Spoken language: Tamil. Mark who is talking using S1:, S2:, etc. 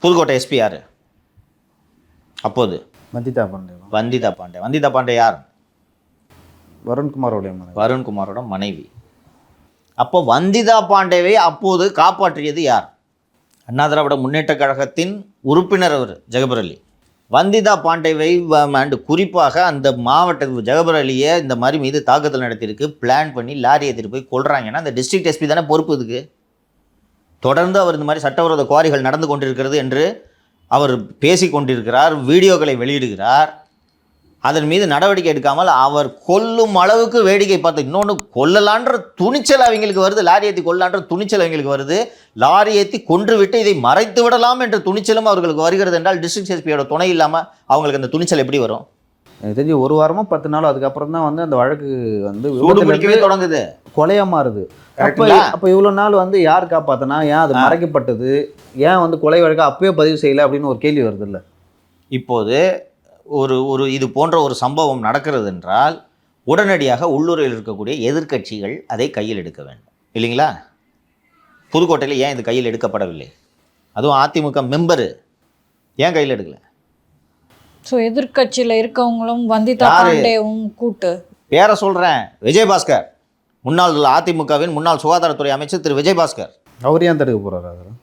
S1: புதுக்கோட்டை எஸ்பி யார் அப்போது?
S2: வந்திதா பாண்டே.
S1: வந்திதா பாண்டே. வந்திதா பாண்டே யார்?
S2: வருண்குமாரோடைய மனைவி.
S1: வருண்குமாரோட மனைவி. அப்போ வந்திதா பாண்டேவை அப்போது காப்பாற்றியது யார்? அண்ணா திராவிட முன்னேற்ற கழகத்தின் உறுப்பினர் அவர் ஜெகபர் அலி. வந்திதா பாண்டேவை அண்டு குறிப்பாக அந்த மாவட்ட ஜெகபர் அலியை இந்த மாதிரி மீது தாக்குதல் நடத்தியிருக்கு, பிளான் பண்ணி லாரி ஏற்றிட்டு போய் கொள்றாங்கன்னா அந்த டிஸ்ட்ரிக்ட் எஸ்பி தானே பொறுப்பு இதுக்கு. தொடர்ந்து அவர் இந்த மாதிரி சட்டவிரோத குவாரிகள் நடந்து கொண்டிருக்கிறது என்று அவர் பேசி கொண்டிருக்கிறார், வீடியோக்களை வெளியிடுகிறார். அதன் மீது நடவடிக்கை எடுக்காமல் அவர் கொல்லும் அளவுக்கு வேடிக்கை பார்த்து, இன்னொன்று கொல்லலான்ற துணிச்சல் அவங்களுக்கு வருது, லாரி ஏற்றி கொல்லலான்ற துணிச்சல் அவங்களுக்கு வருது, லாரி ஏற்றி கொன்று விட்டு இதை மறைத்து விடலாம் என்ற துணிச்சலும் அவர்களுக்கு வருகிறது என்றால் டிஸ்ட்ரிக்ட் எஸ்பியோட துணை இல்லாமல் அவங்களுக்கு அந்த துணிச்சல் எப்படி வரும்?
S2: எனக்கு தெரிஞ்சு 1 வாரமோ 10 நாளோ அதுக்கப்புறம் தான் வந்து அந்த வழக்கு வந்து
S1: பிடிக்கவே தொடங்குது,
S2: கொலையா மாறுது. அப்போ இவ்வளோ நாள் வந்து யார் காப்பாத்தினா, ஏன் அது மறைக்கப்பட்டது, ஏன் வந்து கொலை வழக்கு அப்பயே பதிவு செய்யலை அப்படின்னு ஒரு கேள்வி வருது இல்லை?
S1: இப்போது ஒரு இது போன்ற ஒரு சம்பவம் நடக்கிறது என்றால் உடனடியாக உள்ளூரில் இருக்கக்கூடிய எதிர்க்கட்சிகள் அதை கையில் எடுக்க வேண்டும் இல்லைங்களா? புதுக்கோட்டையில் ஏன் இது கையில் எடுக்கப்படவில்லை? அதுவும் அதிமுக மெம்பரு ஏன் கையில் எடுக்கல?
S3: ஸோ எதிர்கட்சியில் இருக்கவங்களும் வந்திதா பாண்டேவும் கூட்டு
S1: பேரை சொல்கிறேன், விஜயபாஸ்கர், முன்னாள் அதிமுகவின் முன்னாள் சுகாதாரத்துறை அமைச்சர் திரு விஜயபாஸ்கர்.
S2: அவர் ஏன் தடுக்க போகிறாரு?